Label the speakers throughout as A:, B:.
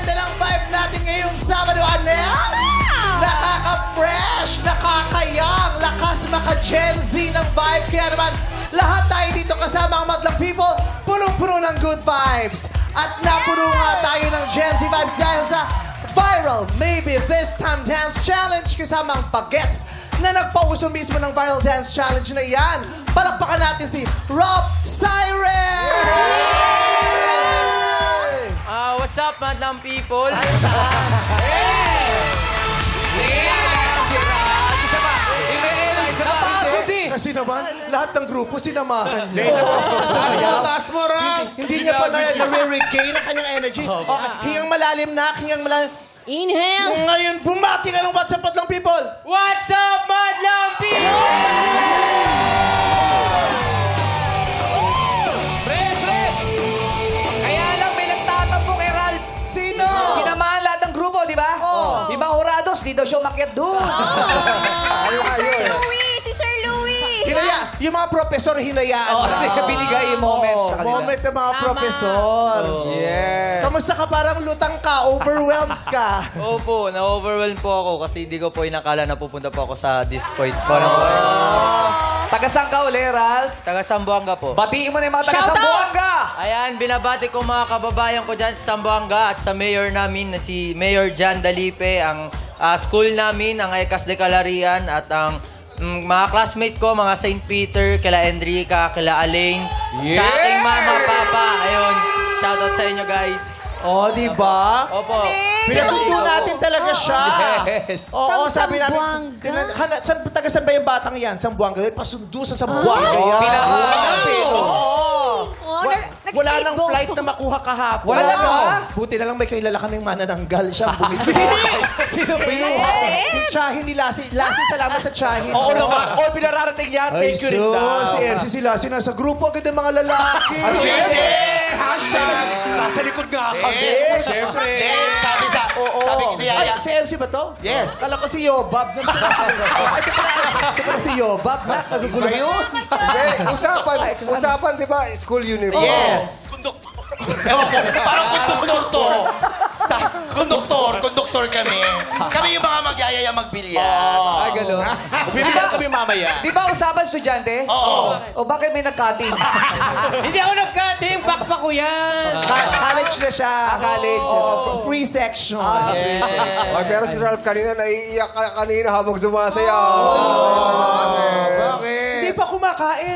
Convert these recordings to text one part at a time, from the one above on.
A: ganda ng vibe natin ngayong Sabado, Anels! Nakaka-fresh, nakakayang, lakas maka-Gen Z ng vibe. Kaya naman, lahat tayo dito kasama ang Madlang People, punong-puno ng good vibes. At napuno nga tayo ng Gen Z vibes dahil sa Viral Maybe This Time Dance Challenge kasama ang Bagets na nagpauso mismo ng Viral Dance Challenge na iyan. Palakpakan natin si Rob Siren!
B: What's up, Madlang People?
A: Ay, taas! Kasi naman, lahat ng grupo sinamahan niya.
C: Taas mo, Rob!
A: Hindi niya pa na-regain ang kanyang energy. Okay, hingang malalim na, hingang malalim.
D: Inhale!
A: Ngayon, bumati ka ng WhatsApp Madlang People!
B: What's up, Madlang People?
E: Pre! Kaya lang may nagtatampo kay Ralph.
A: Sino?
E: Sinamahan lahat ng grupo, di ba?
A: Oo.
E: Di ba, Horados? Di daw siya umakyat doon.
D: Si Sir Louie! Si Sir Louie!
A: Hinaya, yung mga profesor hinayaan
E: Oo,
A: na.
E: binigay yung moment
A: Oo,
E: sa kanila.
A: moment ng mga profesor.
C: Yes.
A: Kamusta ka? Parang lutang ka, overwhelmed ka.
B: Opo, na-overwhelm po ako kasi hindi ko po inakala na pupunta po ako sa this point po.
E: Taga-saan ka uli, Ralph?
B: Taga Sambuanga po.
E: Batiin mo na yung mga
D: Shout
E: taga-Sambuanga!
B: Ayan, binabati ko mga kababayan ko dyan sa Sambuanga at sa mayor namin na si Mayor Jan Dalipe, ang school namin, ang Ecas de Calarian at ang mga classmate ko, mga St. Peter, kila Enrica, kila Alain, sa aking mama, papa. Ayun, shoutout sa inyo guys.
A: Oh, di ba?
B: Opo.
A: Pinasundo natin talaga siya.
B: Yes.
A: Oo,
D: From
A: sabi namin.
D: Zamboanga.
A: Taga-saan ba yung batang yan? Sambuanga. Pasundo sa Sambuanga yan.
E: Pinahanap eh.
A: Oo.
D: Oh,
A: Wala nang
D: nag-speedboat.
A: flight na makuha kahapon.
E: Wala ba?
A: Buti na lang may kilala kaming manananggal siya. Bumili.
E: Sino ba yun?
A: Yung tsahin ni Lassie. Lassie, salamat sa tsahin.
E: Oo naman. All pinararating yan.
A: Ay,
E: Thank you rin
A: so,
E: daw.
A: si MC si Lassie nasa grupo agad ng mga lalaki.
E: Hashtag! Nasa likod nga kami. Siyempre. Sabi ko niya.
A: Ay, si MC ba to?
E: Yes.
A: Kala ko si Yobab. Ito pala si Yobab. Nagugulo ba yun?
C: Hindi, usapan, di ba? School uniform.
E: Yes.
F: Parang konduktor kami. Kami yung mga magyayaya magbilyan.
E: Ay, gano'n. Bibigyan kami mamaya. Di ba usapan estudyante?
F: Oo.
E: O bakit may nag-cutting?
B: Hindi ako nag-cutting, bakpa ko yan.
A: College na siya.
E: College.
A: Oo, free section.
C: Ay, pero si Ralph kanina, naiiyak ka kanina habang sumasayaw. Bakit?
A: Hindi pa kumakain.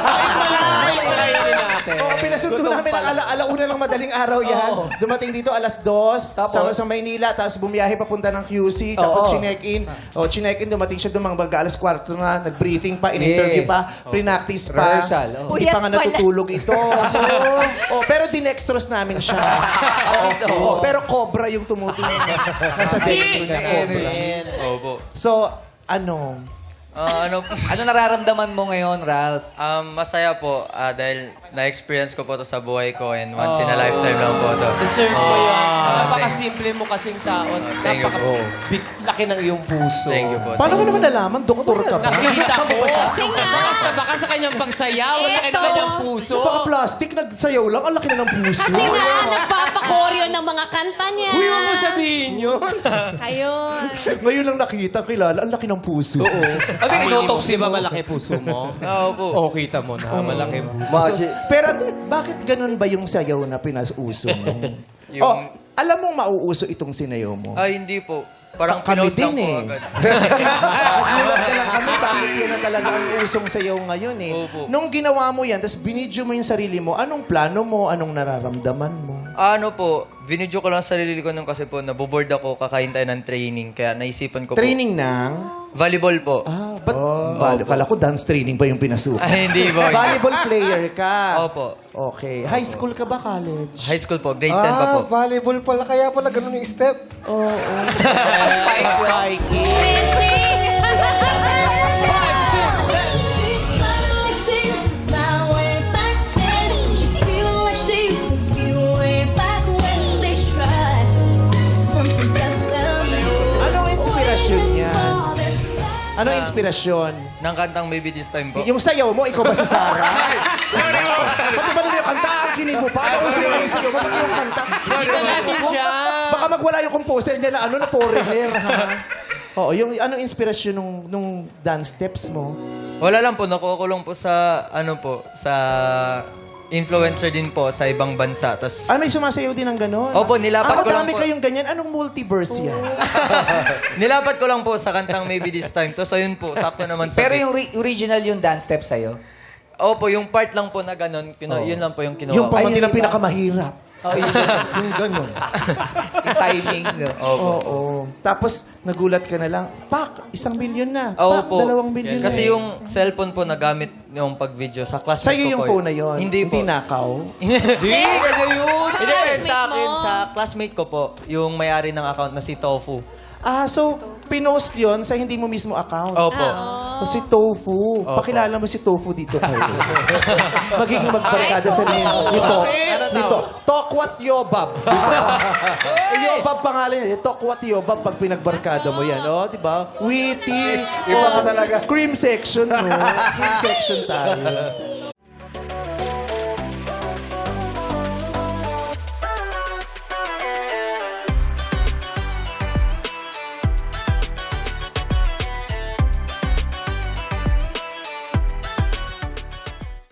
A: Oo, pinasundo namin ang alauna ng madaling araw yan. Dumating dito alas 2,
E: Tapos?
A: sa Maynila, tapos bumiyahe papunta ng QC, tapos chinek-in. O, chinek-in, dumating siya doon mga alas 4 na, nag-briefing pa, in-interview
E: Yes.
A: pa, pre-practice pa.
E: Rehearsal,
A: Hindi pa nga
D: Puyat pala.
A: natutulog ito. Pero dinextrose namin siya. Oo, pero cobra yung tumutingin. Nasa dextro niya, cobra.
B: Opo.
A: So, ano?
E: Ano nararamdaman mo ngayon, Ralph?
B: Masaya po dahil na-experience ko po to sa buhay ko and once in a lifetime lang po to.
G: Deserve mo yan. Napakasimple mo kasing tao.
B: Thank you po.
G: Laki ng iyong puso.
B: Thank you po.
A: Paano mo naman nalaman? Doktor ka ba?
G: Nakikita ko.
D: Kasi nga.
G: Baka sa kanyang pagsayaw, laki ng
D: Eto.
G: kanyang puso.
A: Baka plastic, nagsayaw lang. Ang laki na ng puso.
D: Kasi nga, nagpapakoryo ng mga kanta niya.
G: Huy, huwag mo sabihin yun.
D: Ayun.
A: Ngayon lang nakita, kilala. Ang laki ng puso.
G: Oo. Ano yung inotopsy ba malaki puso mo?
B: Oo po.
G: Oo, kita mo na. Malaki puso.
C: Magic.
A: Pero bakit ganun ba yung sayaw na pinasuso mo?
B: Yung-
A: Alam mong mauuso itong sinayaw mo.
B: Ay, hindi po. Parang
A: Kami
B: pinost lang
A: din
B: po
A: eh.
B: agad.
A: Nagulat na lang kami, bakit yan na talaga ang usong sayaw ngayon eh.
B: Opo.
A: Nung ginawa mo yan, tapos binidyo mo yung sarili mo, anong plano mo? Anong nararamdaman mo?
B: Ano po, binidyo ko lang sarili ko nung kasi po, naboboard ako, kakain tayo ng training. Kaya naisipan ko
A: Training ng?
B: po. Volleyball po.
A: Ba't? Kala ko dance training pa yung pinasukan.
B: Ay, hindi po.
A: Volleyball player ka.
B: Opo.
A: Okay. High school ka ba, college?
B: High school po, grade 10 pa po.
C: Volleyball pala. Kaya pala ganun yung step.
E: Spice
D: Switching.
A: Anong inspirasyon niya? Anong inspirasyon?
B: Nang kantang Maybe This Time po.
A: Yung sayaw mo, ikaw ba si Sarah? Pati ba nila yung kanta? Ang kinin mo pa? Ano gusto mo lang yung sayaw mo? Pati yung kanta?
G: Sikat natin siya.
A: Baka baka magwala yung composer niya na na foreigner, ha? Oo, yung anong inspirasyon nung dance steps mo?
B: Wala lang po, nakukulong po sa, sa influencer din po sa ibang bansa. Tas,
A: May sumasayaw din ng gano'n?
B: Opo, nilapat ko lang
A: Madami
B: po.
A: kayong ganyan. Anong multiverse yan?
B: nilapat ko lang po sa kantang Maybe This Time. Tapos ayun po, sakto naman sa
H: Pero
B: beat.
H: yung original yung dance step sa'yo?
B: Opo, yung part lang po na ganun, yun lang po yung kinuha
A: Yung
B: ko.
A: pamangkin na pinakamahirap.
H: Oh, yun.
A: Yung gano'n.
H: Yung timing. No?
A: Oo. Tapos, nagulat ka na lang, Pak, 1 milyon na.
B: Oo
A: Pak,
B: po.
A: 2 milyon na.
B: Kasi yung cellphone po na gamit yung pag-video sa classmate
A: Sa'yo
B: ko
A: yung
B: po
A: phone na yun?
B: Hindi po.
A: nakaw?
B: Hindi, ganyan yun. Hindi,
D: classmate
B: sa akin,
D: mo?
B: sa classmate ko po, yung may-ari ng account na si Tofu.
A: So, pinost yon sa hindi mo mismo account.
B: Opo.
A: O si Tofu. Pakilala mo si Tofu dito kayo. Magiging magbarkada sa nito. Tokwat Yobab. Yobab pangalan niya. Tokwat Yobab pag pinagbarkada mo yan. Oh, di ba? Witty.
C: Iba ka talaga.
A: Cream section, no? Cream section tayo.